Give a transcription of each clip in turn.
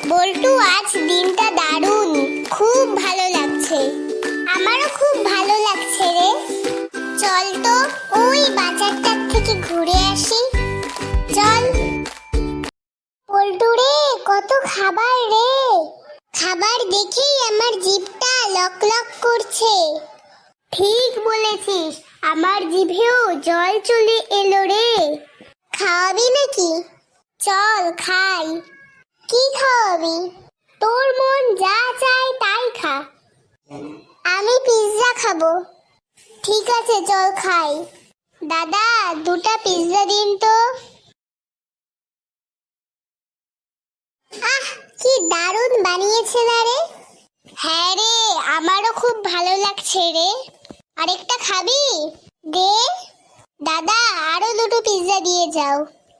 বল্টু, আজ দিনটা দারুণ, খুব ভালো লাগছে। আমারও খুব ভালো লাগছে রে। চল তো ওই বাজারটার থেকে ঘুরে আসি। চল। বল্টু রে, কত খাবার রে! খাবার দেখেই আমার জিভটা লক লক করছে। ঠিক বলেছিস, আমার জিভেও জল চলে এলো রে। খাওয়াবি নাকি? চল খাই। কি খাওয়াবি? তোর মন যা চায় তাই খা। আমি পিৎজা খাবো। ঠিক আছে, চল খাই। দাদা, দুটা পিৎজা দিন তো। আহ, কি দারুণ বানিয়েছে না রে! হ্যাঁ রে, আমারও খুব ভালো লাগছে রে। আরেকটা খাবি? দে। দাদা, আরো দুটো পিৎজা দিয়ে যাও।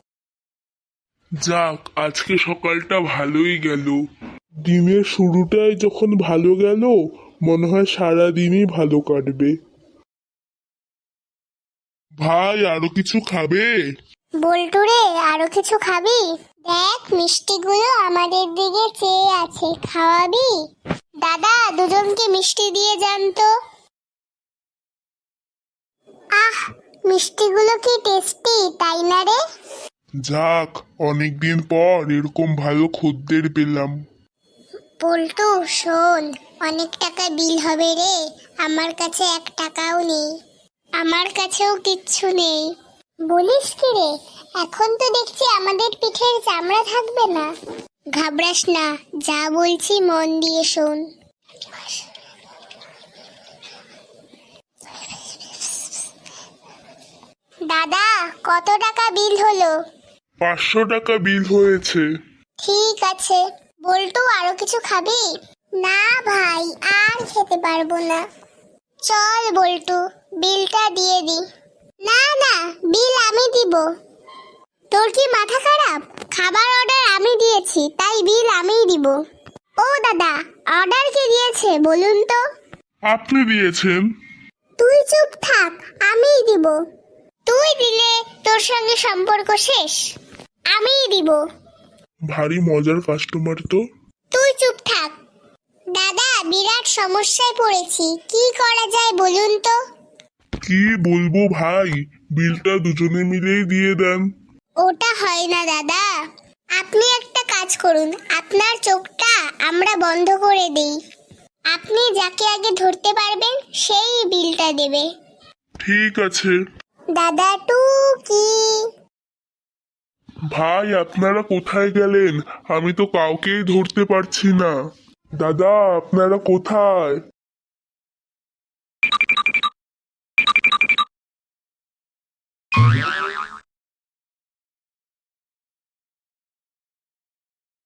যাক, আজকে সকালটা ভালোই গেল। দিনের শুরুটাই যখন ভালো গেল, মনে হয় সারা দিনই ভালো কাটবে। ভাই, আরো কিছু খাবে? বল্টু রে, আরো কিছু খাবি? দেখ, মিষ্টিগুলো আমাদের দিকে চেয়ে আছে, খাওয়াবি? দাদা, দুজনকে মিষ্টি দিয়ে যান তো। আহ, মিষ্টিগুলো কি টেস্টি, তাই না রে? যাক, অনেকদিন পর এরকম ভালো খদ্দের পেলাম। বল্টু শোন, অনেক টাকা বিল হবে রে। আমার কাছে 1 টাকাও নেই। আমার কাছেও কিচ্ছু নেই। বলিস কি রে? এখন তো দেখছি আমাদের পিঠের চামড়া থাকবে না। ঘাবড়াস না, যা বলছি মন দিয়ে শোন। দাদা, কত টাকা বিল হলো? 500 টাকা বিল হয়েছে। ঠিক আছে। বল্টু, আরো কিছু খাবি? না ভাই, আর খেতে পারবো না। চল বল্টু, বিলটা দিয়ে দি। না না, বিল আমি দিব। তোর কি মাথা খারাপ? খাবার অর্ডার আমি দিয়েছি, তাই বিল আমিই দিব। ও দাদা, অর্ডার কে দিয়েছে বলুন তো? আপনি দিয়েছেন। তুই চুপ থাক, আমিই দিব। তুই দিলে তোর সঙ্গে সম্পর্ক শেষ। আমিই দিব। ভারী মজার কাস্টমার তো। তুই চুপ থাক। দাদা, বিরাট সমস্যায় পড়েছি, কি করা যায় বলুন তো? কি বলবো ভাই, বিলটা দুজনে মিলেই দিয়ে দেন। ওটা হয় না দাদা। আপনি একটা কাজ করুন, আপনার চোখটা আমরা বন্ধ করে দেই। আপনি যাকে আগে ধরতে পারবেন সেই বিলটা দেবে। ঠিক আছে। দাদা টুকি। ভাই, আপনারা কোথায় গেলেন? আমি তো কাউকেই ধরতে পারছি না। দাদা, আপনারা কোথায়?